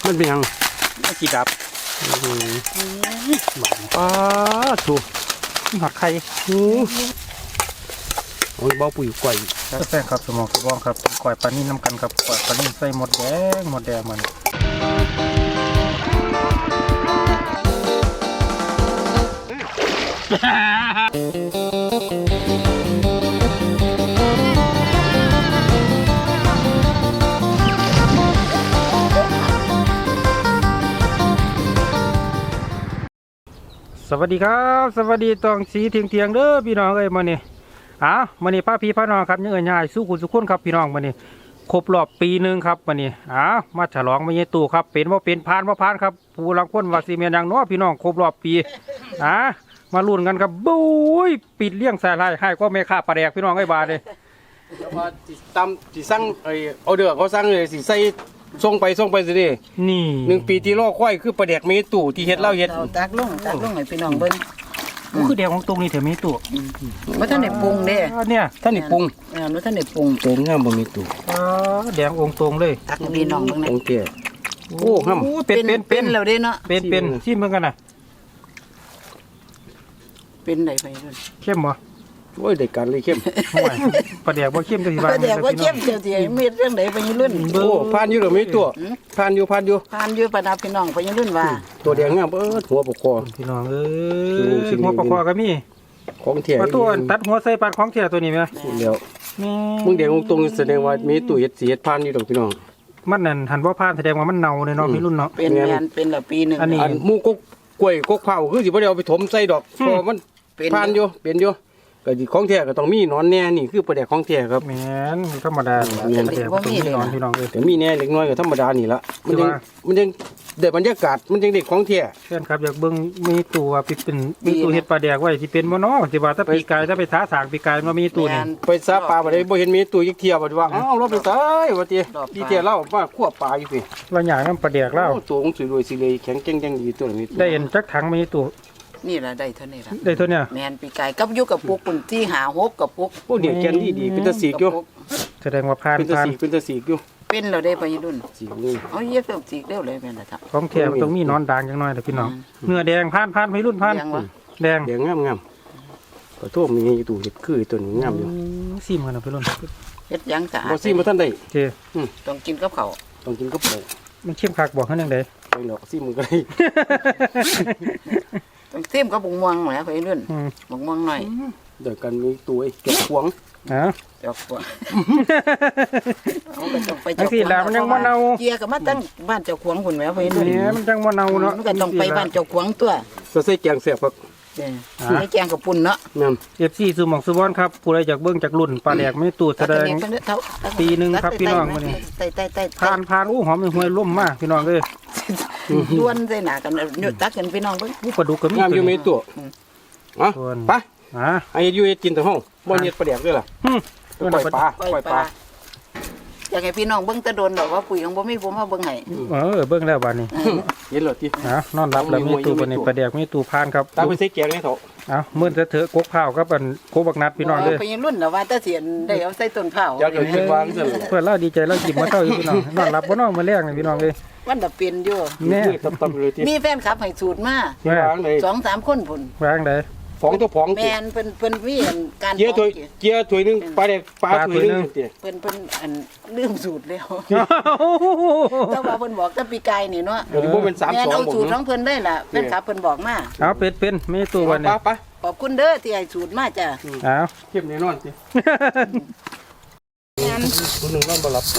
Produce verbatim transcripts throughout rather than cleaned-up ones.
มันเป็นยังกี่ดับป้าถูกหักไข่โอ้โอ้ยเบาปุ๋ยก่อยแป้งครับสมองกระบองครับก่อยปลานิ่มน้ำกันครับก่อยปลานิ่มใส่หมดแดงหมดแดงมันสวัสดีครับสวัสดีตองสีเทียงเทียงเด้อพี่น้องเอ้ยมาเนี่ยอ้าวมาเนี่ยป้าพี่ป้าน้องครับยังเอ่ยง่ายสู้คุณสุขคนครับพี่น้องมาเนี่ยครบรอบปีหนึ่งครับมาเนี่ยอ้าวมาฉลองมาเยตู่ครับเป็นว่าเป็นพานว่าพานครับผู้ลังคนว่าซีเมียนยังน้อพี่น้องครบรอบปีอ้ามาลุ้นกันครับบุ้ยปิดเลี้ยงสายลายให้ก็ไม่ค่าปลาแดกพี่น้องไอ้บาเลยว่าตามที่สั่งไอ้เอาเดือเขาสั่งเลยสิใส่ส่งไปส่งไปสิดินี่หนึ่งปีที่รอค่อยคือปลาแดกเมตู่ที่เฮ็ดเล่าเฮ็ดตักลงตักลงให้พี่น้องเบิ่งก็คือแดงของตรงนี้เถอะมีตู่ว่าท่านได้ปรุงเด้เนี่ยท่านนี่ปรุงเออว่าท่านได้ปรุงโตงามบ่มีตู่อ๋อแดงองตรงเลยตักพี่น้องเบิ่งนะโอเคโอ้งามเป็นเป็นเป็นแล้วเด้เนาะเป็นเป็นชิมเบิ่งกันน่ะเป็นได้ไปด้วยเข้มบ่โอ้ยได้การเลยเข้มปลาแดกบ่เข้มก็สิว่าปลาแดกบ่เข้มเจ้าสิเม็ดเรื่องใดไปยืนรุ่นโอ้ผ่านอยู่ดอกมีตัวผ่านอยู่ผ่านอยู่ผ่านอยู่ปะนะพี่น้องไปยืนรุ่นว่าตัวแดงงามเอิ้นหัวปกคอพี่น้องเอ้ยหัวปกคอก็มีของแท้ว่าตัวตัดหัวใส่ปานของแท้ตัวนี้มั้ยเดี๋ยวมึงแดงตรงแสดงว่ามีตู้เฮ็ดสิเฮ็ดผ่านอยู่ดอกพี่น้องมันนั่นหันบ่ผ่านแสดงว่ามันเน่าในเนาะพี่รุ่นเนาะเป็นแม่นเป็นละปีนึงอันนี้หมู่กกล้วยกกเผาคือสิบ่ได้เอาไปถมใส่ดอกเพราะมันผ่านอยู่เป็นอยู่ก็ของแท้ก็ต้องมีนอนแน่นี่คือปลาแดกของแท้ครับแม่นธรรมดาแม่นแต่บ่มีนอนพี่น้องเอ้ยแต่มีแน่เล็กน้อยก็ธรรมดานี่ละมันยังมันยังได้บรรยากาศมันยังได้ของแท้เช่นครับอยากเบิ่งมีตัวเป็นมีตู้เฮ็ดปลาแดกไว้สิเป็นบ่เนาะสิว่าถ้าปีกายถ้าไปท้าสางปีกายมันมีตู้นี่ไปซาปลาบ่ได้บ่เห็นมีตู้ยักเที่ยวบ่ว่าอ้าวเราไปตายว่าติพี่เที่ยวเรามาคั่วปลาอยู่พี่ว่าหยังนำปลาแดกแล้วตัวของสวยๆสิเลยแข็งแกร่งจังดีตัวนี้ได้เห็นจักถังมีตู้นี่ล่ะได้เท่านี้ล่ะได้เท่านี้แม่นปีกายกับอยู่กับปุกปุ่นที่หาหกกับปุกโอ้เนี่ยแกนดีๆเป็นตะสีกอยู่แสดงว่าผ่านเป็นตะสีกเป็นตะสีกอยู่เป็นแล้วได้ไปรุ่นสีนี่เอาเย็บเริ่มสีเร็วเลยแม่นล่ะครับของแท้ต้องมีนอนด่างจังน้อยเด้อพี่น้องเนื้อแดงผ่านผ่านพี่รุ่นผ่านแดงแดงงามๆขอโทษมีอยู่ตู้เฮ็ดคือตัวนี้งามอยู่ซิมกันนะพี่รุ่นเฮ็ดยังสะอาดบ่ซิมบ่ทันได้เจ้ต้องกินกับข้าวต้องกินกับข้าวมันเข้มคักบอกเฮาจังได๋ไปหรอกซิมมึงก็ได้ต้องซิมกับบุงม่วงแหมไปรุ่นบุงม่วงหน่อยเดี๋ยวกันมีตัวไอ้จอกขวงฮะจอกขวงเอาก็ต้องไปจอกขวงมันยังบ่เน่าเกียก็มาตั้งบ้านเจ้าขวงพุ่นแหมไปรุ่นนี่มันจังบ่เน่าเนาะมันก็ต้องไปบ้านเจ้าขวงตัวก็ใส่แกงแซ่บครับใส่แกงกับปุ่นเนาะแม่นเอฟ ซี สุหม่องสุวรรณครับผู้ใดอยากเบิ่งจากรุ่นปลาแดกไม่ตูดแสดงปีนึงครับพี่น้องมื้อนี้ผ่านผ่านอู้หอมห้วยล่มมากพี่น้องเอ้ยด้วนใส่หน้ากันอยู่ตักกันพี่น้องเบิ่งอู้ปลาดุกก็มีงามอยู่มีตัวอ๋อไปอ่าไอ้อยู่เฮ็ดกินแต่ห้องบ่เฮ็ดปลาแดกด้วยล่ะปล่อยปลาปล่อยปลาอยากให้พี่น้องเบิ่งตะโดนดอกว่าปุ๋ยของบ่มีผมมาเบิ่งให้เออเบิ่งแล้วบัดนี้เห็นแล้วติฮะนอนรับแล้วมีตู้บัดนี้ปลาแดกมีตู้ผ่านครับตาไปใส่แกงให้เถาะเอ้ามื้อเถอะกกข้าวกับอันโคบักนัดพี่น้องเด้อไปรุ่นน่ะว่าตะเสียนได้เอาใส่ต้นข้าวอยากให้คิดวางซั่นเพิ่นเราดีใจเรากินมาเท่าอยู่พี่น้องนอนรับบ่นอนมื้อแรกนี่พี่น้องเอ้ยมันน่ะเป็นอยู่แน่ตับๆเลยติมีแฟนคลับให้สูตรมา สองสามคนพุ่นวางได้ฟองตัวฟองแม่นเพิ่นเพิ่นมีการเกียร์ถ้วยเกียร์ถ้วยนึงปลาแดกปลาถ้วยนึงเพิ่นเพิ่นอันลืมสูตรแล้วแต่ว่าเพิ่นบอกแต่ปีกายนี่เนาะเดี๋ยวบ่เป็นสามสองแม่นเอาสูตรบ่ของเพิ่นได้ล่ะแฟนคลับเพิ่นบอกมาเอาเป็ดเป็นมีตู้บัดนี้ไปขอบคุณเด้อที่ให้สูตรมาจ้ะอ้าวเข้มแน่นอนสิงานคนนึงนอนบ่หลับ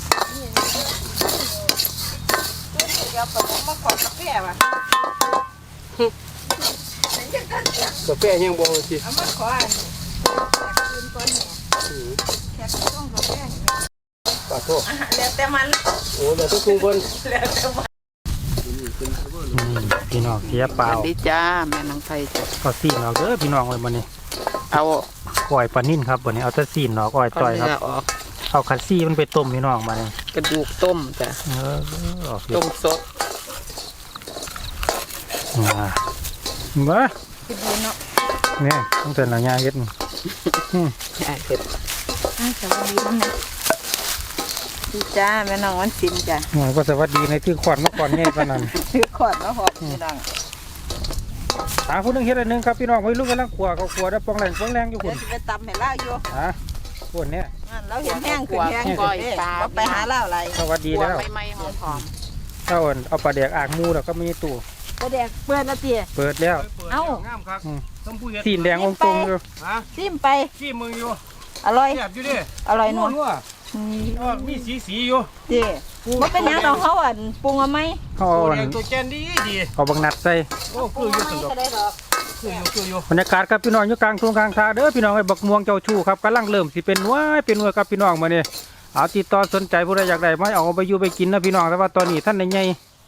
เดี๋ยวผมมาขอกาแฟว่ะกาแฟยังบ่สิเอามาขออันคืนก่อนเนี่ยแค่ต้องกาแฟปาโทษแล้วแต่มันโอ้แล้วทุกคนแล้วแต่มันพี่น้องเสียเปล่าสวัสดีจ้าแม่น้องไทยจ้ะก็ซีนออกเด้อพี่น้องเลยบัดนี้เอาก้อยปลานิ่นครับบัดนี้เอาแต่ซีนออกก้อยจ่อยครับเอาคัดซี่มันไปต้มพี่น้องมาเนี่ยกระดูกต้มจ้ะเออต้มสดมาบ้าคิดดูเนาะเนี่ยต้องเตือนเราย่าเย็ดย่าเย็ดสวัสดีน้องนะดีจ้าแม่น้องวันศิลป์จ้ะหน่อยก็สวัสดีในที่ขวัญมาก่อนไงปานนั้นซื้อขวดมาหอบพี่น้องหาผู้นึงเฮ็ดอันหนึงครับพี่น้องไว้ลูกกำลังขัวเขาขัวได้ปองแรงปองแรงอยู่เดี๋คุยวณสิไปตำให้ล่าอยู่ฮะคนเนี้ยนั่นเราเห็นแห้งขึ้นแห้งขึ้นเด้บ่ไปหาล่าอะไรสวัสดีแล้วไม่ๆหอมเจ้าอ่อนเอาปลาแดกอ่างมูแล้วก็มีตู้ก็แดกเปื้อนละเตี้ยเปิดแล้วเอ้างามครับต้องผู้เฮ็ดสีแดงองค์ตรงอยู่ฮะซิมไปขี้มึงอยู่อร่อยแซ่บอยู่ดิอร่อยนัวนัวมีสีสีอยู่เด้บ่เป็นหยังดอกเขาอ่ะปรุงเอาไหมเขาตัเอาวอัแดนงตัวแกนดีดีเอาบังนัดใส่โอ้คืออยู่สุดดอกก็ได้ดอกคืออยู่คืออยู่บรรยากาศครับพี่น้องอยู่กลางทุ่งกลางทางเด้อพี่น้องไอ้บักม่วงเจ้าชู้ครับกำลังเริ่มสิเป็นว้ายเป็นวัวครับพี่น้องมาเนี่ยเอาติดต่อสนใจผู้ใดอยากได้มาเอาไปอยู่ไปกินนะพี่น้องแต่ว่าตอนนี้ท่านในใหญ่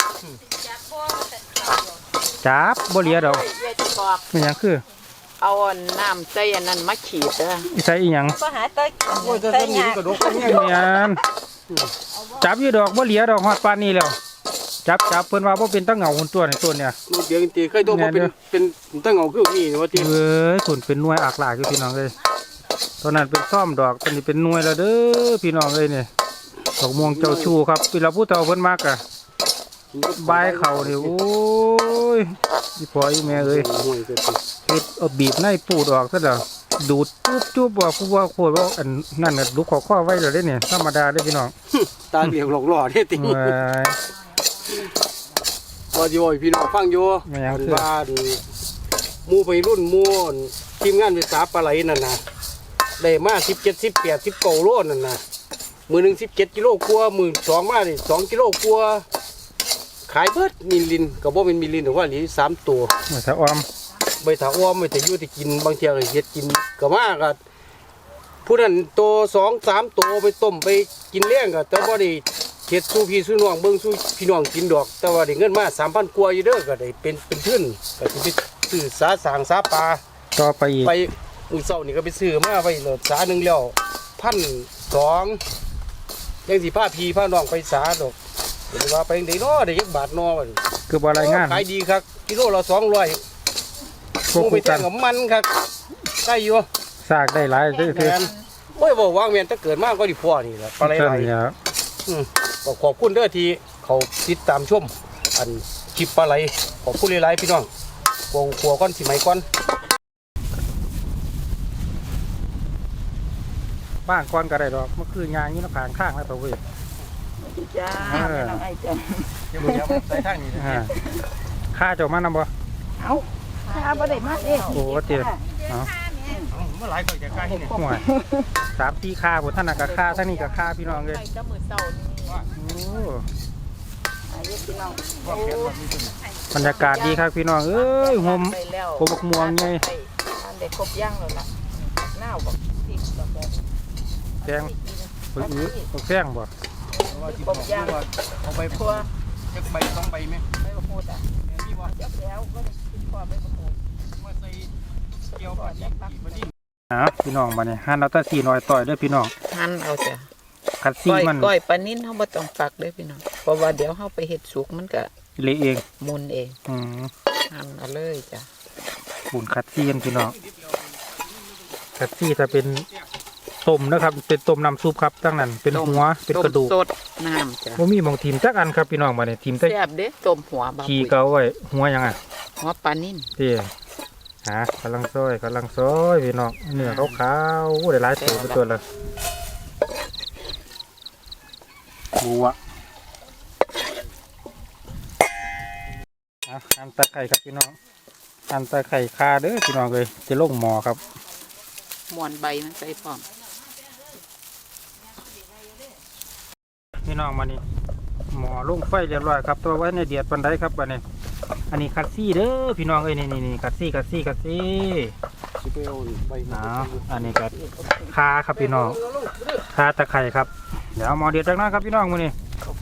จับบ่เหลียดอกๆเวทีบอกเป็นหยังคือเอาน้ำใจอันนั้นมาขีดเด้อใส่อีหยังก็หาเต้ยโอ้ยจะเต้ยทำนี่ยากกระดกกันเนีเนี่ยยนจับอยู่ดอกบ่เหลียดอกฮอดปานนี้แล้วจับจับเพิ่นว่าบ่เป็นตะเหงาหุ่นตัวในตัวเนี่ยเดี๋ยวตีเคยโตมาเป็นเป็นตั้งเงาคือนี่ว่าตีเอ้ยขุนเป็นหน่วยอักหลากอยู่พี่น้องเลยตอนนั้นเป็นซ่อมดอกตอนนี้เป็นหน่วยแล้วเด้อพี่น้องเลยเนี่ยดอกม่วงเจ้าชูครับพี่เราพูดเท่าเพิ่นมากอะบายเข่าเนี่ยโอ้ยพี่พ่ออีแม่เอ้ยห่วยเกินเฮ็ดเอาบีบในปูดออกซะเด้อดูดจุ๊บจุ๊บว่าผู้ว่าโคตรว่าอันนั่นน่ะลูกขอข้อไว้เลยเด้เนี่ยธรรมดาเด้อพี่น้องตาเหลียวหลอกหล่อเนี่ยตีเอ้ยว่าอยู่พี่น้องฟังอยู่ไม่เอาคือบ้านหมู่ไปรุ่นหมู่ทีมงานวิสาปลาไหลนั่นน่ะได้มาสิบเจ็ดสิบแปดสิบเก้าโลนั่นน่ะมือหนึ่งสิบเจ็ดกิโลกว่ามือสองมาดิสองกิโลกว่าขายเบิดมิลลินกับว่าเป็นมิลลินหรือว่าหรือสามตัวมาถ้าออมใบถาอ้อมไม่แต่อยู่ที่กินบางเทีก็เฮ็ดกินก็มาก็ผู้นั้นตัวสองสามตัวไปต้มไปกินเลี้ยงก็แต่ว่าได้เฮ็ดสู้พี่สู้น้องเบิ่งสู้พี่น้องกินดอก แต่ว่าได้เงินมาสามพันกว่าอยู่เด้อก็ได้เป็นเป็นทุนก็สิไปซื้อสาสางสาปลาต่อไปอีกไปมื้อเช้านี่ก็ไปซื้อมาไว้แล้วสาหนึงแล้วพันสองยังสิพาพี่พาน้องไปสาดอกเดี๋ยวว่าไปจังไดเนาะได้ยักบาทเนาะว่าคือบ่รายงานขายดีครับกิโลละสองร้อยพวกมูไปคู่แทกังนกับมันครับได้อยู่ซากได้หลายเด้อแมคือนโอ้ยบอกว่าเมียนถ้าเกิดมากก็ดีพอนี่แหละปลาไหลใช่ไหลแล้วอืมก็ขอบคุณเด้อที่เขาติดตามชมอันคลิปปลาไหลขอบคุณหลายๆพี่น้องวงขัวก้อนสิไหมก้อนบ้านก่อนก็ได้ดอกมันคือยางอยู่ในผางข้างแล้วตัวเว้ยจ้าแม่น้องไอ้จ้ะเดี๋ยวเดี๋ยวใส่ทางนี้อ่าข้าเจ้ามานำบ่เอาถ้าบ่ได้มาเด้โอ้เตี้ยเอาเมื่อไหร่ก็จะกล้าที่นี่ห่วยสามตีข้าผมท่านน่ะกับข้าท่านนี้กับข้าพี่น้องเลยไปก็มือเศร้านี่โอ้อายุพี่น้องบรรยากาศดีครับพี่น้องเอ้ยหมไปแล้วโคบกม่วงไงไปอันเด็กครบย่างแล้วล่ะหน้าบอกพริกกับแบบแกงไปอื้อเอาแกงบ่ครบย่างเอาไปทั่วจักใบสองใบไหมไม่ประโคตรอ่ะนี่ว่ายับแล้วก็กินความไม่ประโคตรมาใส่เกี่ยวปลาดิบมาดิอ่ะพี่น้องมาเนี่ยหั่นเอาแตะสีน้อยต่อยเด้อพี่น้องหั่นเอาจ้ะขัดสีก้อยมันก้อยปลานิ่นเฮาบ่ต้องฝักเด้อพี่น้องเพราะว่าเดี๋ยวเฮาไปเฮ็ดสุกมันก็เละเองมุนเองอืมหั่นเอาเลยจ้ะบุญขัดซีกันพี่น้องขัดซีถ้าเป็นต้มนะครับ เป็นต้มน้ำซุปครับตั้งนั้นเป็นหัวเป็นกระดูกต้มสดน้ำจ้ะว่ามีหมองทีมจักอันครับพี่น้องมาเนี่ยทีมแต่แซ่บเด้ต้มหัวบาขี้ปุ๋ยเกาไว้หัวยังอ่ะหัวปลานิ่นเตี้ยหากำลังซอยกำลังซอยพี่น้องเนื้อขาวๆโอ้ได้หลายตัวเป็นตัวเลยบัวอ่ะอันตะไคร่ครับพี่น้องอันตะไคร่คาเด้อพี่น้องเลยจะลงหม้อครับมวนใบมันใส่พร้อมพี่น้องมานี่หม้อลงไฟเรียบร้อยครับตัวไว้ในเดียดปันไดครับบัดนี้อันนี้คัดซี่เด้อพี่น้องเอ้ยนี่นี่นี่คัดซี่คัดซี่คัดซี่สิไปเอาใบเอาอันนี้ก็คาครับพี่น้องคาตะไคร่ครับเดี๋ยวเอาหม้อเดียดจากนั้นครับพี่น้องมานี่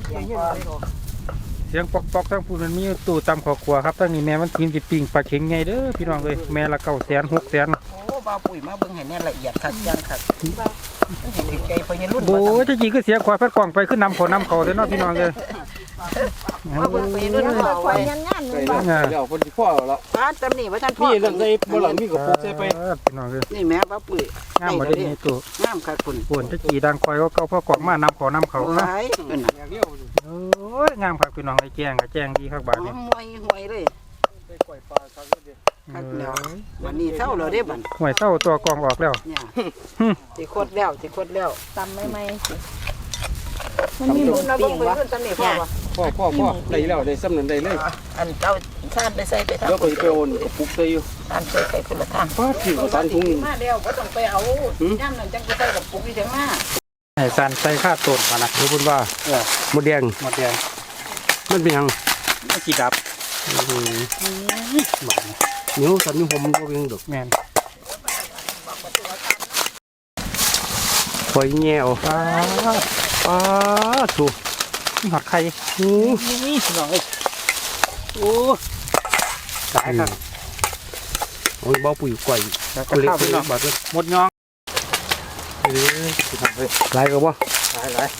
เสียงปอกปอกๆทั้งพูนมันมีตู้ตำขอครัวครับทั้งนี้แม่มันกินสิปิ่งปลาเข็งไงเด้อพี่น้องเลยแม่ละเก้าแสนหกแสนโอ้บ่าวปุ๋ยมาเบิ่งให้แน่ละเอียดคักจังคักมันเห็นใจเพิ่นรุ่นโอ้ยจะจีก็เสียควายพัดกล่องไปขึ้นนำเขานำเขาเลยเนาะพี่น้องเลยว่าเพิ่นไปนู่นยังเอาบ่ค่อไว้ยงานๆใส่เลยแล้บ่วใส่แล้วคนที่พ่อแล้วร้านตำนี่ว่าท่านพ่อนี่นั่นใส่บ่หลังมีกระปุกใส่ไปเออพี่น้องเอ้ยนี่แม่ป้าปุ๋ยงามบ่ได้มีตัวงามค่ะคุณปวนตะกี้ดังคอยก็เก่าพ่อกอกมานำเขานำเขาเอานะไว้เพิ่นอยากเลี้ยวโอ้ยงามครับพี่น้องไอ้แจ้งก็แจ้งดีครับบาดนี้ห่วยห่วยเลยไปก่อยปลาครับเด้อคักแล้ววันนี้เศร้าแล้วเด้บัดห่วยเศร้าตัวกองออกแล้วเนี่ยสิโคตรแล้วสิโคตรแล้วตำใหม่ๆสิมันมีหมูปิ้งวะพ่อพ่อพ่อได้แล้วได้ซ้ำนั้นได้เลยอันเจ้าชาติไปใส่ไปทำเดี๋ยวก็สิไปโอนกระปุกใส่อยู่ชาติใส่ใส่คนละทางป้าถือสารถุงนี่มาแล้วบ่ต้องไปเอาย่ำนั่นจังไปใส่กับปุกนี่จังมาให้สันใส่ข้าต้นมานะรู้พุ่นว่าหมดแดงหมดแดงมันเป็นหยังมันกี่ดับอืมเหนียวสันนี่ผมบ่เป็นหยังดอกแม่นปล่อยแง่วปลาป้าถูกหอดไข่หูนี่พี่น้องเอ้ยโอ้ตายครับโอ้ยบ่ปุ๋ยก่อยแล้วก็ก็เล็กข้าวไปพี่น้องบาดเลยหมดยองเออพี่น้องเอ้ยหลายก็บ่หลายหลาย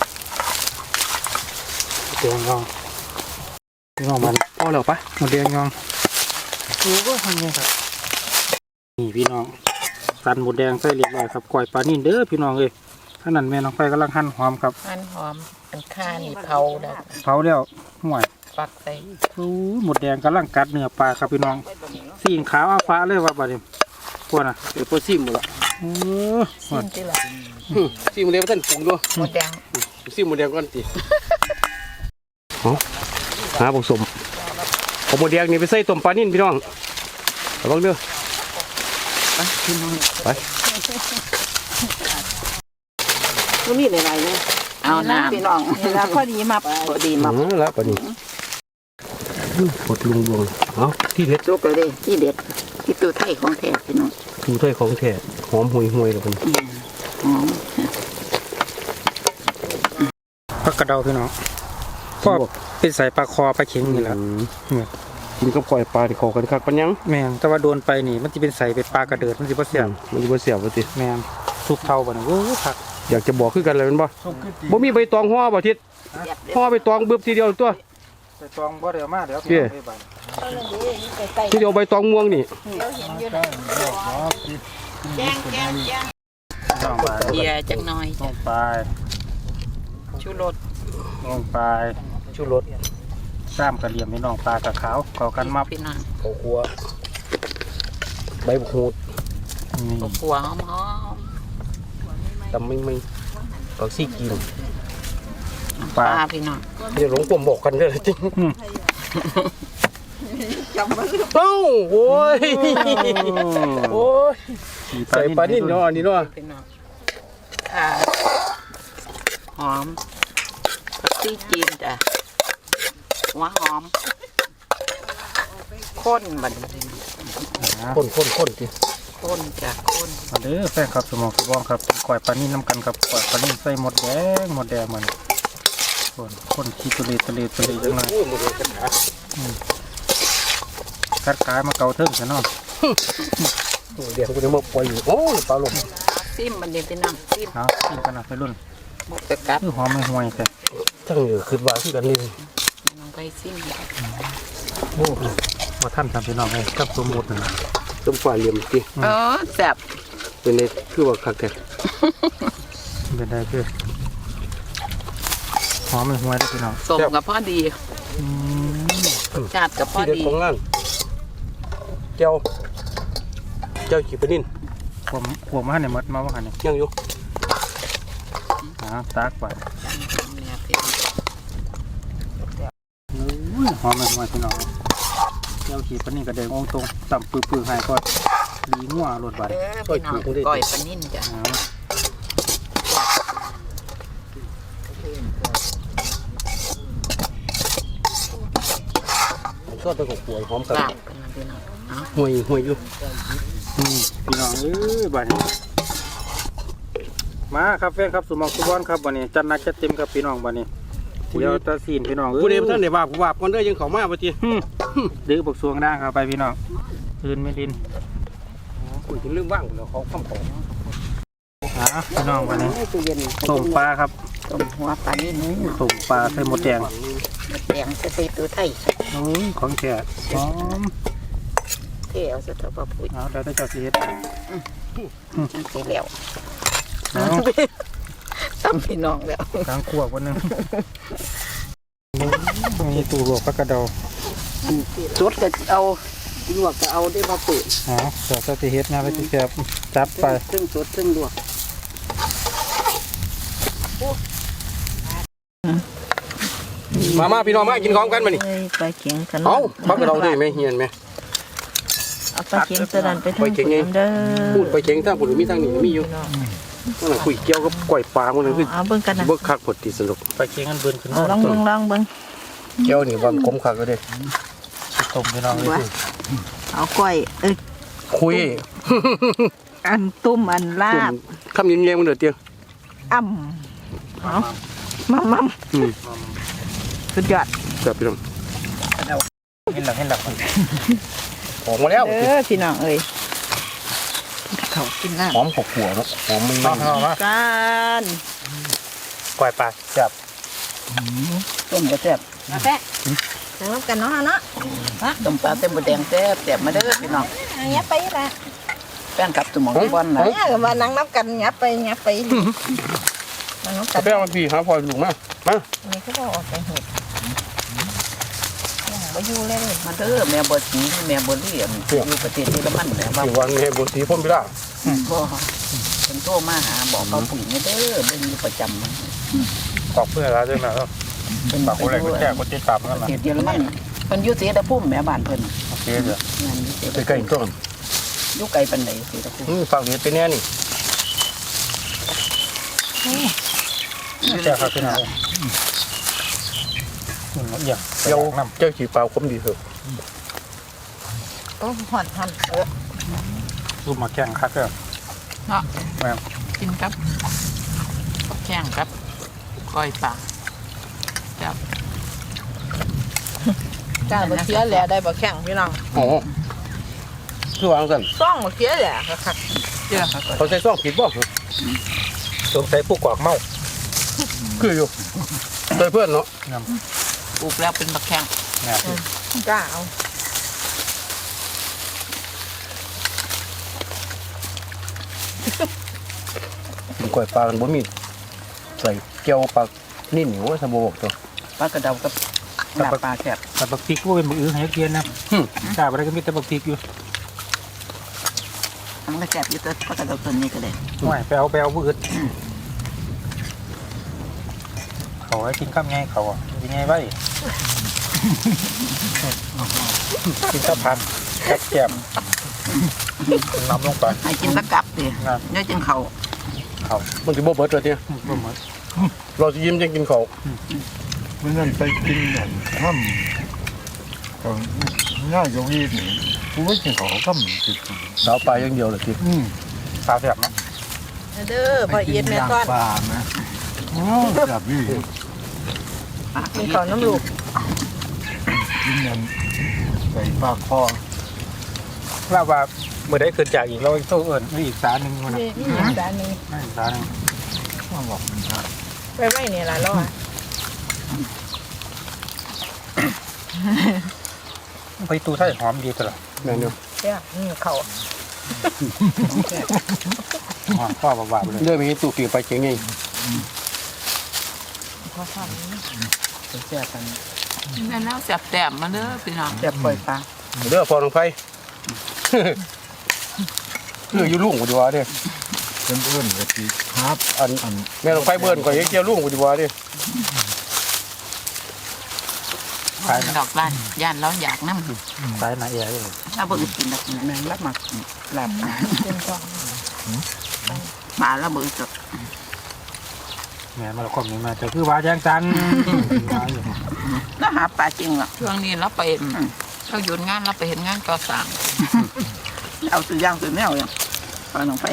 เดียงยองพี่น้องมันพอแล้วปะหมดเดียงยองโอ้ก็ทำไงครับนี่พี่น้องสันหมดแดงใส่เรียบร้อยครับก่อยปลานิ่นเด้อพี่น้องเอ้ยขนาดแม่น้องไฟกำลังหั่นหอมครับอันหอมอันข้านี่เผาแล้วเผาแล้วห่วยปักใส่โอ้หมดแดงกำลังกัดเนื้อปลาครับพี่น้องสีขาวอาฟ้าเลยว่าบัดนี้พวกน่ะเดี๋ยวพอซิมหมดละโอ้สิ้นที่ละซิมเดียวท่านปรุงด้วยหมดแดงซิมหมดแดงก่อนสิเอาหาผสมเอาหมดแดงนี่ไปใส่ต้มปลานิ่นพี่น้องระวังเด้อไปพี่น้องไปมันมีหลายๆเลยเอาน้ำพี่น้องนี่ล่ะพอดีมาพอดีมามาแล้วปลานิ่นกดลุงดวงเอาที่เด็ดลูกเลยที่เด็ดที่ตัวไทยของแท้พี่น้องดูถ้วยของแท้หอมห่วยห่วยเลยมันหอมผักกระเดาพี่น้องก็เป็นใส่ปลาคอปลาเข็งนี่แหละกินกับก่อยปลาที่ขอกันคักปัญญังแมงแต่ว่าโดนไปนี่มันจะเป็นใส่เป็นปลากระเดิดมันจะบ่เสียงมันจะบ่เสียบบ่ติแมงสุกเท่าบ่เนี่ยโอ้ผักอยากจะบอกคือกันเลยมันบ่บ่มีใบตองห่อบ่ทิศห่อใบตองบึบทีเดียวตัวใส่ตองบ่ได้เอามาเดี๋ยวเย้ ทีเดียวใบตองม่วงนี่แจ้งแจ้งแจ้งลงไปเกียร์จังหน่อยลงไปชูรสลงไปชูรสซ้ำกระเหลี่ยมพี่น้องปลากระขาวเข้ากันมาพี่น้องข้าวคั่วใบมะกรูดนี่ขัวหอมหอมตำไม่ไม่ผักซี่กินปปลาลาพี่น้องเดี๋ยวหลงผมบอกกันเด้อจริงอืมเอ้าโอ้ยโอ้ยขี่ใส่ปลานิ่นเนาะอันนี้เนาะพี่น้องอ่าหอมผักชีจีนจ้ะหัวหอมข้นบัดนี้ข้นข้นข้นสิข้นจ้ะข้นมาเด้อแฟนครับสมองสมองครับก่อยปลานิ่นน้ำกันครับก่อยปลานิ่นใส่หมดแดงหมดแดงมันคนคนขี้ตุเลตุเลตุเลจังเลยโอ้ยหมดเลยกระถากัดกายมาเกาเทิงซะเนาะเดี๋ยวกูจะมาปล่อยอยู่โอ้ยปลาลมซิมบัดนี้พี่น้องซิมเอากินกันนะไปรุ่นบุกตะกัดคือหอมไม่ห่วยแต่ทั้งเหนือขึ้นว่าที่กันนี่น้องไปซิมโอ้มาท่านทำพี่น้องเลยกับสมมุตินะต้มปลาเหลี่ยมสิอ๋อแซ่บเป็นในคือว่าคักแต่เป็นได้คือหอมไม่ห่วยได้อพี่น้องสมกับพอดีอืมชาติกับพอที่เด็ดดีของงานเจ้าเจ้าขี้ปลานิ่นผมผมมาให้ในมดมาว่าหันเนี่ยยังอยู่หาตากไปเนี่ยพี่น้องอุ้ยหอมไม่ห่วยพี่น้องเจ้าขีดปานนี่กระเดงองตรงต่ำปื้อๆให้ก็ดีงัวรดบาดเด้อพี่น้องก้อยปลานิ่นจ้ะเอาชอบไปกับขวดหอมกันลาบกันนะพี่น้องเอาห่วยห่วยอยู่อืมพี่น้องเอ้ยบาดนี้มาครับแฟนครับสมองสุวรรณครับวันนี้จัดหนักจัดเต็มครับพี่น้องวันนี้เดี๋ยวตาซีนพี่น้องเอ้ยผู้ใดบ่ทันได้ว่าผู้ว่าก่อนเด้อยังเข้ามาบ่ติอืมดื้อบักสวงด่างเข้าไปพี่น้องคืนไม่ดินคุยถึงเรื่องว่างแล้วเขาคำของอ่าพี่น้องวันนี้ตู้เย็นต้มปลาครับต้มหัวปลานิ่นต้มปลาใส่หมดแดงแดงจะไปตัวไทยโอ้ยของแก่หอมเทเอาสะเทาปปุ๋ยเอาแล้วได้เจ้าสิเฮ็ดจังสิแล้วเอาซ้ำพี่น้องแล้วกลางขวบวันหนึงมีตู้ลวกผักกระเดาสดก็เอาลวกก็เอาได้มาปุ๋ยเอาเจ้าสิเฮ็ดนะไปสิแซ่บจับไปครึ่งสดครึ่งลวกมามาพี่น้องมากินของกันมานี่เอ้ยปลาเข็งกันเอ้าพักกระเราได้ไหมเฮียนไหมเอาปลาเข็งสลันไปทางปลาเข็งไงเด้อพูดไปเข็งทางผมมีทางนี้มีอยู่นั่นน่ะคุยเกี่ยวกับกล้วยปลามันนั่นคือเอาเบิ่งกันนะเบิกคักผดติสนุกไปเคียงกันเบิ่นขึ้นเอาลองเบิ่งลองเบิ่งเกี่ยวนี่ว่ามันขมคักก็ได้ต้มพี่น้องเลยเอาก้อยเอ้ยคุยอันตุ้มอันลาบคำยิ้มแย้มมันเดือดเตียงอ่ำเอามัมมัมอืมสุดยอดครับพี่น้องเห็นหลังเห็นหลังออกมาแล้วเด้อพี่น้องเอ้ยเขากินน้หอมขบขัวเนาะหอมมันมาเอามาำกันกล้วยปลาแซ่บต้มก็แซ่บกาแฟจังน้ำกันเนาะเนาะต้มปลาเต็มบดแดงแซ่บแซ่บมาเด้อพี่น้องอันนี้ไปละแป้งกับสมองบอลนะเนี่ยก็มานั่งนับกันยับไปยับไปนั่งนับกักาน แฟมันพี่หาพลอยลูกมามาอันนี้ก็บอกออกไปเห็ดยังไม่อยู่เลยมาเด้อแม่บดสีแม่บดเลี่ยมอยู่ประเทศเยอรมันแม่ว่าที่วันนี้บนสีพ่นไปละบ่เป็นโทรมาหาบอกเขาปุ๋ยมาเด้อเบิ่งอยู่ประจำขอบเพื่อนแล้วด้วยนะครับเป็นปากคนแรกคนแก่คนติดตามกันประละเทศเยอรมันเพิ่นอยู่เสดภูมิแม่บ้านเพิ่นโอเคเดี๋ยวงานอยู่เสดใกล้ๆต้นอยู่ไกลปานใดเสดภูมิอืมฝั่งนี้เป็นแน่นี่แซ่บครับพี่น้องอืมอย่างเจ้าน้ำเจ้าขีปลาคมดีเถอะโอ้ห่อนห่อนเออรูปมาแข่งคักเด้อเนาะแม่กินกับแข้งกับก้อยปลาจับจ้าบะเคี้ยแหละได้บะแข็งพี่น้องอ๋อคือวางกันซ่องบะเคี้ยแหละค่ะเจ้าค่ะเขาใส่ซ่องผิดบ่สงสัยผู้กวากเมาคืออยู่ใส่เพื่อนเนาะน้ปลูกแล้วเป็นบักแข้งำเนี่ยจ้าเอากล้วยปลากันบ่มีใส่เกี่ยวปลานิ่มอยู่ว่าสมบูรณ์ตัวปลากระเดากับหน้าปลาแซ่บแต่บักพริกก็เป็นมืออื้อให้เกียนนะกล้าไปได้ก็มีแต่บักพริกอยู่มันก็แซ่บอยู่แต่ปลากระเดาตัวนี้ก็ได้ไม่ไปเอาไปเอามืออื่นเขาให้กินข้ามไงเขาอ่ะกินไงไว้กินข้าวผัดแซ่บแก้มน้ำลงไปให้กินตะกับดิครับเนื้อจังเขาเขามันสิบ่เบิดเลยเนี่ยบ่เหมือนเราจะยิ้มจังกินเขาวมันนั่นไปกินนั่นห้ำก็ง่ายกว่าวีนี่กูไม่กินของก็มีติดสาวปลาอย่างเดียวเลยทีอืมข้าวแซ่บนะเด้อพอเอียดแม่ต้อนปลานะอ๋อแบบนี้มีข้าวน้ำลูกกินนั่นใส่ปลาคอว่าว่าเมื่อได้เกิดจากอีกเราอีกโซ่เอิญอีกสาหนึ่งคนนะนี่นี่อย่างจานนี้อีกสาหนึ่งว่าบอกมันได้ไปไว้เนี่ยล่ะรอไปตูไทยหอมดีตลอดแม่นอยู่เจ้านี่เขาหอมข้าวบาบๆเลยเรื่องมีตู้ปีกไปเก่งไงพอทแซ่บกันแม่แล้วแซ่บแต้มมาเด้อพี่น้องแซ่บปล่อยปลาเด้อพอลงไปคืออยู่ลุงกูดีกว่าเด้เพื่อนเพื่อนก็ตีครับอันอันแม่ลงไปเบิ้นก็ยังเกี่ยวลุงกูดีกว่าเด้ขายนะดอกล้านย่านเราอยากน้ำขายนะเอ๋ยถ้าบ่กินดอกแมงรับมาหลับำเป็นกองปลาแล้วมือจดแม่มาละคมนี้มาจะคือว่าแจ้งจันแล้วหาปลาจริงหรอช่วงนี้เราไปเราหยุดงานเราไปเห็นงานก่อสร้างเอาตัวย่างตัวแนวอย่างปลาลงไป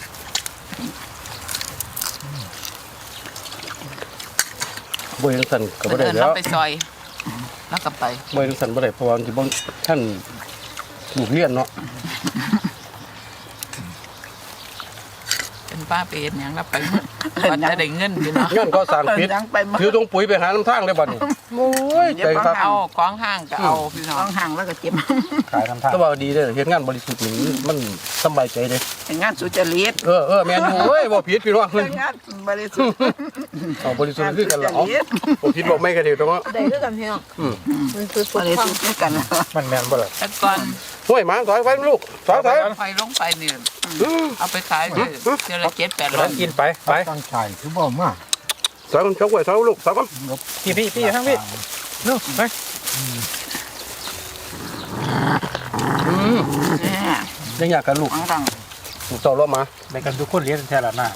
บ่ยังสั่นก็บ่ได้เดินแล้เราวไปซอยแล้วก็ไปบ่ยังสั่นบ่ได้เพราะว่าสิบ่ท่านลูกเรียนเนาะเป็นป้าไปเห็นหยังแล้วไปวันจะได้เงินพี่น้องเงินก็สั่งปิดยังไปหมดถือตรงปุ๋ยไปหาน้ำทางเลยบัดนี้โอ้ยเดี๋ยวใจของครับเอาของห้างก็เอาพี่น้องต้องห่างแล้วก็เจ็บขายน้ำท่าก็ว่าดีเด้อเฮ็ดงานบริสุทธิ์นี่มันสบายใจเด้เป็นงานสุจริตเออเออแม่นอยู่เว้ยบ่ผิดพี่น้องเป็นงานบริสุทธิ์เอาบริสุทธิ์คือกันล่ะเอาบ่ผิดบ่ไม่ก็ได้ตรงนั้นได้ด้วยกันพี่น้องอืมมันคือบริสุทธิ์ด้วยกันนะมันแม่นบ่ล่ะแต่ก่อนห้วยหมาถอยไว้ลูกถอยถอยไฟลงไปนี่เอาไปขายด้วยเจอละเจ็ดแปดร้อแล้ยวกินไปไปตั้งใจคือบ่มากถอยมันชกไว้ถอยลูกถอยก่อนพี่พี่พี่ทั้งพี่นู่นไปอืมเนี่ยยังอยากกันลูกของดังลูกเจ้ารอบมาในกันทุกคนเลี้ยงแท้ละหน้า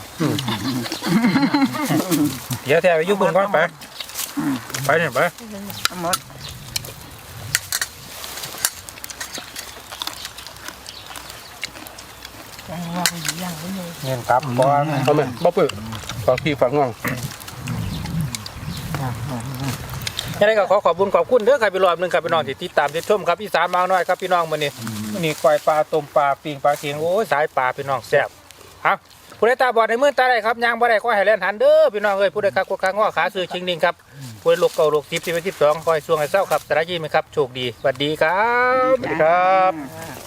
เดี๋ยวแท้ไปยุ่งบุญก่อนไปไปเนี่ยไปหมดว่าไปย่างไว้เลยเงินกลับก่อนเอาแม่บ่ปึกฝากพี่ฝากน้องยังไงก็ขอขอบคุณขอบคุณเด้อครับพี่รอบหนึงครับพี่น้องที่ติดตามติดชมครับอีสานมาน้อยครับพี่น้องมื้อนี้มื้อนี้ก้อยปลาต้มปลาปิ้งปลาเคียงโอ้ยสายปลาพี่น้องแซ่บครับผู้ใดตาบอดในมือตาได้ครับยางบ่ได้ก็ให้แล่นหันเด้อพี่น้องเอ้ยผู้ใดคักกว่าข้างอขาซื้อชิงนิ่งครับผู้ใดลูกเก่าลูกสิบที่เป็นสิบสองคอยช่วงให้เศร้าครับสระยิ้มครับโชคดีสวัสดีครับสวัสดีครับ